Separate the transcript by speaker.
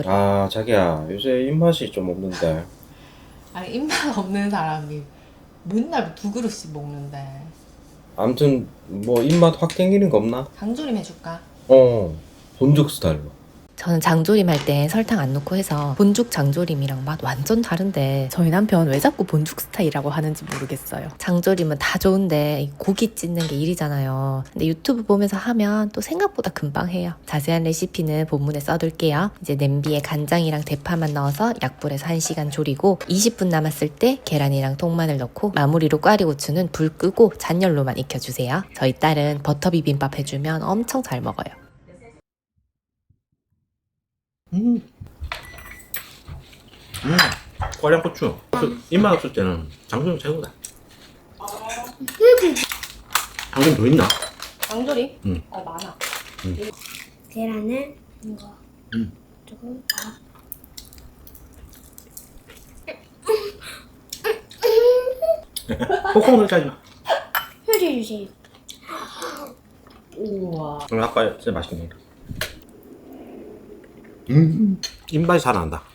Speaker 1: 아, 자기야, 요새 입맛이 좀 없는데.
Speaker 2: 아니 입맛 없는 사람이 맨날 두 그릇씩 먹는데.
Speaker 1: 아무튼 뭐 입맛 확 땡기는 거 없나?
Speaker 2: 장조림 해줄까?
Speaker 1: 본죽 스타일로.
Speaker 3: 저는 장조림 할 때 설탕 안 넣고 해서 본죽 장조림이랑 맛 완전 다른데 저희 남편 왜 자꾸 본죽 스타일이라고 하는지 모르겠어요. 장조림은 다 좋은데 고기 찢는 게 일이잖아요. 근데 유튜브 보면서 하면 또 생각보다 금방 해요. 자세한 레시피는 본문에 써둘게요. 이제 냄비에 간장이랑 대파만 넣어서 약불에서 1시간 졸이고 20분 남았을 때 계란이랑 통마늘 넣고 마무리로 꽈리고추는 불 끄고 잔열로만 익혀주세요. 저희 딸은 버터 비빔밥 해주면 엄청 잘 먹어요.
Speaker 1: 꽈량고추. 입맛 없을 때는 장조림 최고다. 장조림 더 있나?
Speaker 2: 장조림?
Speaker 1: 응.
Speaker 2: 많아.
Speaker 4: 계란을 이거 조금
Speaker 1: 콩콩 넣자지 마.
Speaker 4: 해주세요.
Speaker 2: 우와.
Speaker 1: 오늘 아빠 진짜 맛있게 먹다. 입맛이 살아난다.